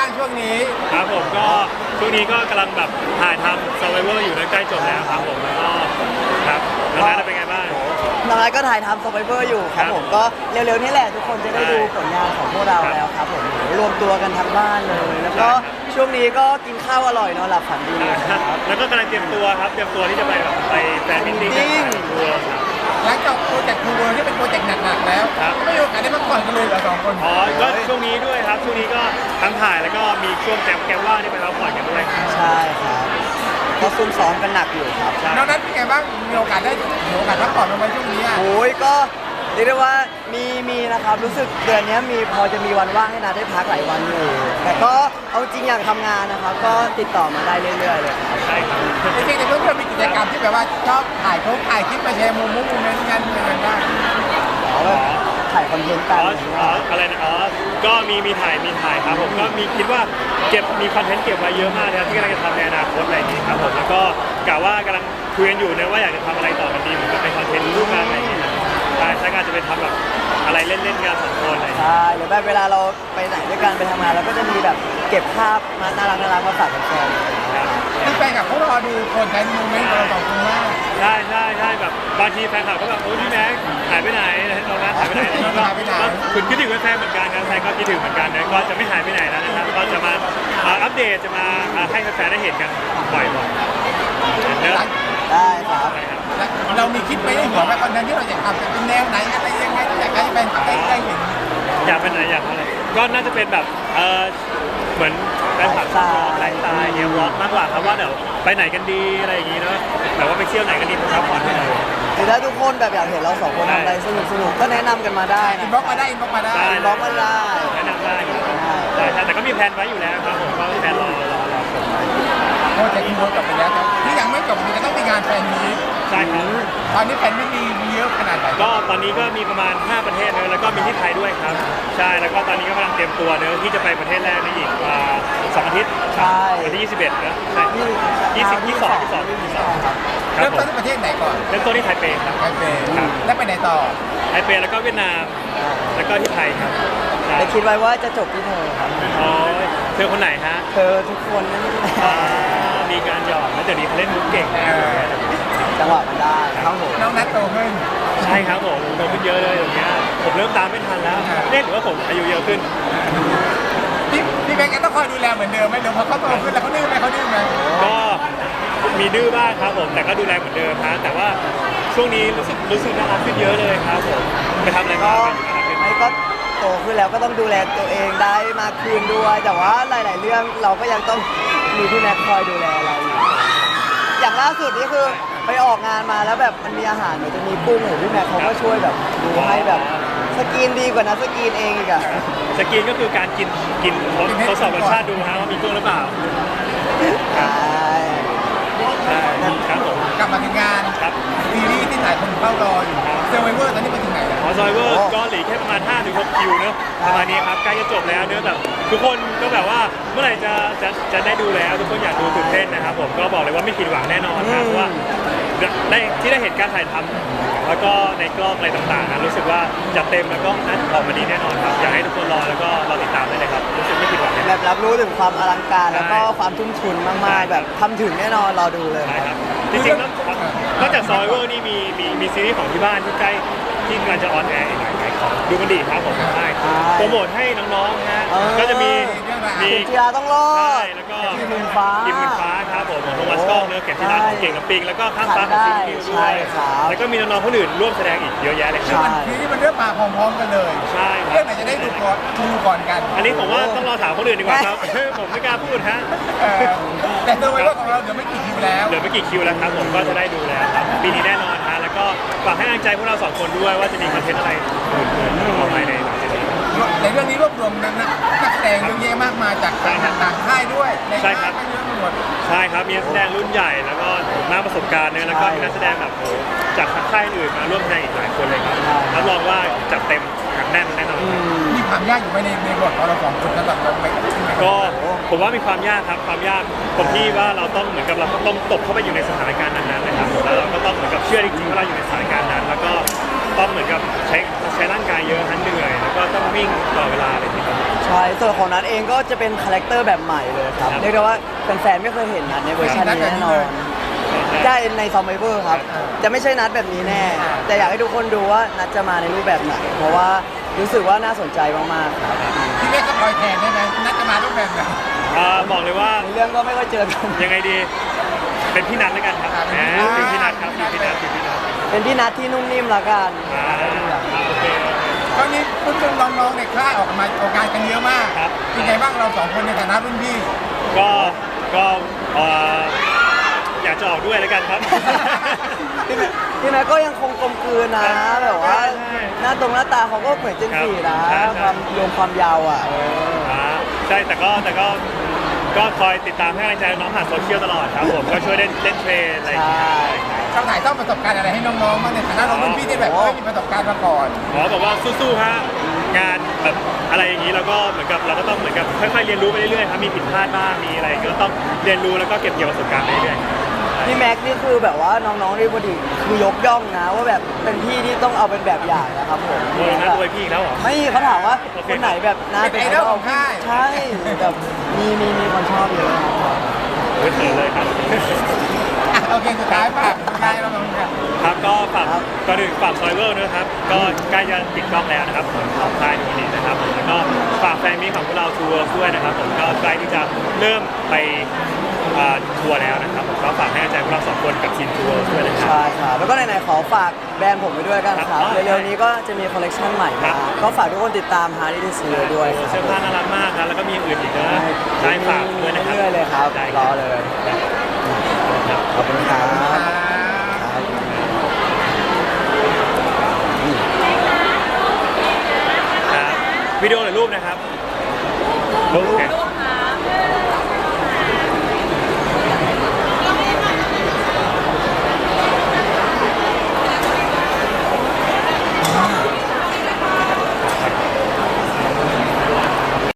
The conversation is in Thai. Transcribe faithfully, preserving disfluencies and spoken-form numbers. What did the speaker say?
างช่วงนี้ครับผมก็ช่วงนี้ก็กำลังแบบถ่ายทำ Survivor อยู่ใกล้จบแล้วครับผมแล้วก็ครับแล้วนั้นเป็นไงบ้างน้องนัทก็ถ่ายทำ Survivor อยู่ครับผมก็เร็วๆนี่แหละทุกคนจะได้ดูผลงานของพวกเราแล้วครับผมรวมตัวกันทั้งบ้านเลย แล้วก็ช่วงนี้ก็กินข้าวอร่อยนอนหลับฝันดีครับแล้วก็กำลังเตรียมตัวครับเตรียมตัวที่จะไปแบบไปแฟนมิตติ้งทัวร์ครับหลังจากโปรเจกต์ทูเวิร์ที่เป็นโปรเจกต์หนักๆแล้วไม่มีโอกาสได้พักผ่อนกันเลยเหรอสองคนอ๋อก็ช่วงนี้ด้วยครับช่วงนี้ก็ทั้งถ่ายแล้วก็มีช่วงแกมแกมว่างที่ไปพักผ่อนกันด้วยใช่ครับก็ซุ่มซ้อมกันหนักอยู่ครับน้องนัทเป็นไงบ้างมีโอกาสได้มีโอกาสพักผ่อนลงไปช่วงนี้โอ้ยก็เรียกได้ว่ามีมีนะครับรู้สึกเดือนนี้มีพอจะมีวันว่างให้นัทได้พักหลายวันอยู่แต่ก็เอาจริงอยากทำงานนะครับก็ติดต่อมาได้เรื่อยๆเลยครับใช่ครับจริงๆแต่เพื่อนๆมีกิจกรรมที่แบบว่าชอบถ่ายโพสถ่ายคลิปมาแชร์มุมมุมโมเมนต์กันอะไรกันบ้างอ๋อถ่ายคอนเทนต์กันอ๋ออะไรนะอ๋อก็มีมีถ่ายมีถ่ายครับผมก็มีคิดว่าเก็บมีคอนเทนต์เก็บไว้เยอะมากนะครับที่กำลังจะทำในอนาคตอะไรอย่างนี้ครับผมแล้วก็กะว่ากำลังคุยกันอยู่นะว่าอยากจะทำอะไรต่อกันดีเหมือนกับเป็นคอนเทนต์รูปงานอะไรอย่างเงี้ยใช่ใช่ก็จะเป็นทำแบบอะไรเล่นๆกันสองคนอะไรใช่หรือแบบเวลาเราไปไหนด้วยกันไปทำงานเราก็จะมีแบบเก็บภาพมาน่ารักน่ารักมาฝากแฟนคือแฟนกับเขารอดูคนในโมเมนต์เราสองคนมากใช่ใช่ใช่แบบบางทีแฟนคลับก็แบบโอ้พี่แม็กหายไปไหนเรานะหายไปไหนก็คุณคิดถึงแฟนเหมือนกันครับแฟนก็คิดถึงเหมือนกันนะก็จะไม่หายไปไหนแล้วนะครับก็จะมาอัปเดตจะมาให้แฟนได้เห็นกันบ่อยๆเนอะได้ครับเรามีคิดไปในหัวว่าคอนเทนต์ที่เราอยากทำจะเป็นแนวไหนอะไรยังไงอยากให้แฟนคลับได้เห็นอยากเป็นไหนอยากอะไรก็น่าจะเป็นแบบเออเหมือนแฟนคลับชอบไลฟ์สไตล์เนี่ยวอล์กมากกว่าครับว่าเดี๋ยวไปไหนกันดีอะไรอย่างงี้เนาะแบบว่าไปเที่ยวไหนกันดีพักผ่อนที่ไหนหรือถ้าทุกคนแบบอยากเห็นเราสองคนทำอะไรสนุกสนุกก็แนะนำกันมาได้นะอินบ็อกมาได้อินบ็อกมาได้อินบ็อกมาได้แนะนำได้ใช่ใช่แต่ก็มีแผนไว้อยู่แล้วครับผมก็มีแผนรอรอรอชมโปรเจกต์อินบ็อกจบไปแล้วที่ยังไม่จบจะต้องมีงานแฟนมีตใช่ครับตอนนี้แฟนไม่มีมีเยอะขนาดไหนก็ตอนนี้ก็มีประมาณห้าประเทศเลยแล้วก็มีที่ไทยด้วยครับใช่แล้วก็ตอนนี้ก็กำลังเตรียมตัวเนอะที่จะไปประเทศแรกในอีกสองอาทิตย์ใช่วันที่ยี่สิบเอ็ดนะใช่ยี่สิบยี่สิบสองยี่สิบสองยี่สิบสองเริ่มต้นที่ประเทศไหนก่อนเริ่มต้นที่ไทเปครับไทเปแล้วไปไหนต่อไทเปแล้วก็เวียดนามแล้วก็ที่ไทยครับแต่คิดไว้ว่าจะจบที่เธอครับอ๋อเธอคนไหนฮะเธอทุกคนนั่นมีการหยอกแล้วเดี๋ยวนี้เขาเล่นมุกเก่งจังหวะมันได้ครับผมน้องนัทโตขึ้นใช่ครับผมโตขึ้นเยอะเลยอย่างเงี้ยผมเริ่มตามไม่ทันแล้วเรียกว่าผมอายุเยอะขึ้นพี่พี่แบงค์ต้องคอยดูแลเหมือนเดิมไหมเดี๋ยวพอเขาโตขึ้นแล้วเขาดื้อไหมเขาดื้อไหมก็มีดื้อบ้างครับผมแต่ก็ดูแลเหมือนเดิมนะแต่ว่าช่วงนี้รู้สึกรู้สึกน่ารักขึ้นเยอะเลยครับผมไปทำอะไรบ้างไม่ก็โตขึ้นแล้วก็ต้องดูแลตัวเองได้มากขึ้นด้วยแต่ว่าหลาย ๆ เรื่องเราก็ยังต้องมีพี่แม็กคอยดูแลเราอยู่อย่างล่าสุดนี่คือไปออกงานมาแล้วแบบมันมีอาหารเหมือนจะมีกุ้งหรือพี่แม็กเขาก็ช่วยแบบดูให้แบบสกรีนดีกว่านะสกรีนเองอีกอะสกรีนก็คือการกินกินทดสอบรสชาติดูฮะว่ามีกุ้งหรือเปล่าใช่ใช่ครับผมกลับมาถึงงานครับซีรีส์ที่หลายคนเฝ้ารออยู่เซอร์ไวเวอร์ตอนนี้ไปถึงไหนแล้วอ๋อเซอร์ไวเวอร์ก็เหลือแค่ประมาณ ห้าถึงหก คิวเนอะประมาณนี้ครับใกล้จะจบแล้วเนอะแบบทุกคนก็แบบว่าเมื่อไหร่จะจะจะได้ดูแล้วทุกคนอยากดูตื่นเต้นนะครับผมก็บอกเลยว่าไม่ผิดหวังแน่นอนครับเพราะว่าได้ที่ได้เห็นการถ่ายทำแล้วก็ในกล้องอะไรต่างๆนะรู้สึกว่าจะเต็มแล้วก็นั้นออกมาดีแน่นอนครับอยากให้ทุกคนรอแล้วก็รอติดตามได้เลยครับรู้สึกไม่ผิดหวังแบบรับรู้ถึงความอลังการแล้วก็ความทุ่มทุนมากๆแบบทำถึงแน่นอนรอดูเลยครับจริงๆนอกจากซอยเวอร์นี่มีมีมีซีรีส์ของที่บ้านที่ใกล้ที่กำลังจะออนแอร์อีกหลายของดูมันดีครับผมใช่โปรโมทให้น้องๆฮะก็จะมีมีกีฬาต้องรอดใช่แล้วก็ทีมมือฟ้าทีมมือฟ้าครับผมโทมัสกล้องเนื้อเก็บที่ร้านเก่งกับปิงแล้วก็ข้ามฟ้าของซิมคิวด้วยแล้วก็มีน้องๆคนอื่นร่วมแสดงอีกเยอะแยะเลยครับทีนี้มันเริ่มมาพร้อมๆกันเลยใช่เรื่องไหนจะได้ดูก่อนดูก่อนกันอันนี้ผมว่าต้องรอถามคนอื่นดีกว่าครับผมไม่กล้าพูดฮะแต่ตัวไว้ว่าของเราเดี๋ยวไม่กี่คิวแล้วเดี๋ยวไม่กี่คิวแล้วครับผมก็จะได้ดูแล้วครับปีนี้แน่นอนฮะแล้วก็ฝากให้กำลังใจพวกเราสองคนด้วยว่าจะมีคอนเทนต์อะไรอื่นๆออกมาในหลังจากนี้ในเรื่องนี้รวบรวมนักนักแสดงเยอะแยะมากมายจากต่างค่ายด้วยใช่ครับใช่ครับมีนักแสดงรุ่นใหญ่แล้วก็มากประสบการณ์เนี่ยแล้วก็มีนักแสดงแบบโหจากค่ายอื่นมาร่วมแสดงอีกหลายคนเลยครับรับรองว่าจัดเต็มหนักแน่นแน่นอนมีความยากอยู่ไหมในในบทของเราสองคนสำหรับเราก็ผมว่ามีความยากครับความยากตรงที่ว่าเราต้องเหมือนกับเราต้องตกเข้าไปอยู่ในสถานการณ์นั้นๆนะครับแล้วเราก็ต้องเหมือนกับเชื่อจริงๆว่าเราอยู่ในสถานการณ์นั้นแล้วก็ต้องเหมือนกับใช้ใช้ร่างกายเยอะทั้งเหนื่อยแล้วก็ต้องวิ่งตลอดเวลาเลยทีเดียวใช่ส่วนของนัทเองก็จะเป็นคาแรคเตอร์แบบใหม่เลยครับครับเรียกได้ว่าแฟนๆไม่เคยเห็นนัทในเวอร์ชันนี้แน่นอนได้ในซอมไบเวอร์ครับ จะไม่ใช่นัทแบบนี้แน่ แต่อยากให้ทุกคนดูว่านัทจะมาในรูปแบบไหน เพราะว่ารู้สึกว่าน่าสนใจมากๆครับพี่เมฆก็ปล่อยแทนได้ไหมนัดจะมารูปแบบไหนอ่าบอกเลยว่าในเรื่องก็ไม่ค่อยเจอกันยังไงดี เป็นพี่นัทแล้วกันครับอ่าแหมเป็นพี่นัทครับเป็นพี่นัทเป็นพี่นัทเป็นพี่นัทที่นุ่มนิ่มละกันอ่าโอเคตอนนี้รุ่นๆน้องๆในค่ายออกมาออกงานกันเยอะมากครับเป็นไงบ้างเราสองคนในฐานะรุ่นพี่ก็ก็เอ่ออยากจะออกด้วยแล้วกันครับพี่แม็กก็ยังคงกลมกลืนนะ แบบว่าใช่หน้าตรงหน้าตาเขาก็เหมือนเจนสี่นะใช่ใช่ความรวมความยาวอ่ะเอออ่าใช่แต่ก็แต่ก็ก็คอยติดตามให้กำลังใจน้องผ่านโซเชียลตลอดครับผมก็ช่วยเล่นเล่นเทรนอะไรอย่างเงี้ยเราถ่ายทอดประสบการณ์อะไรให้น้องๆบ้างในฐานะเรารุ่นพี่ที่แบบไม่มีประสบการณ์มาก่อนหมอบอกว่าสู้ๆฮะงานแบบอะไรอย่างนี้เราก็เหมือนกับเราก็ต้องเหมือนกับค่อยๆเรียนรู้ไปเรื่อยๆครับมีผิดพลาดบ้างมีอะไรก็ต้องเรียนรู้แล้วก็เก็บเกี่ยวประสบการณ์ไปเรื่อยๆพี่แม็กนี่คือแบบว่าน้องๆที่พอดีคือยกย่องนะ ว่าแบบเป็นพี่ที่ต้องเอาเป็นแบบอย่างนะครับผมโอ้ยนะตัวพี่อีกแล้วเหรอไม่เขาถามว่าโอเคคนไหนแบบน่าเป็นไอดอลของค่ายใช่แบบมีมีมีคนชอบเยอะครับโอ้ยเขินเลยครับอ่ะโอเคสุดท้ายฝากสุดท้ายเราลงกันครับก็ฝากก่อนอื่นฝากซอยเวอร์นะครับ ก็ใกล้จะติดกล้องแล้วนะครับผมของค่ายนี้นะครับผมแล้วก็ฝากแฟนมิตรของพวกเราทัวร์ด้วยนะครับผมก็ใกล้ที่จะเริ่มไปอ่าทัวร์แล้วนะครับผมก็ฝากให้กำลังใจพวกเราสองคนกับทีมทัวร์ด้วยนะครับใช่ครับแล้วก็ไหนๆขอฝากแบรนด์ผมไปด้วยกันคครัรับบ เร็วๆนี้ก็จะมีคอลเลกชันใหม่ครัมาบก็ฝากทุกคนติดตามฮาร์ดดิสซีด้วยคเสื้อรับผ้าน่ารักมากนะแล้วก็มีอย่างอื่นอีกนะใช่ฝากด้วยนะครับเรื่อยๆเลยครับได้รอเลยครับขอบคุณครับครับวิดีโอหรือรูปนะครับรูปโอเค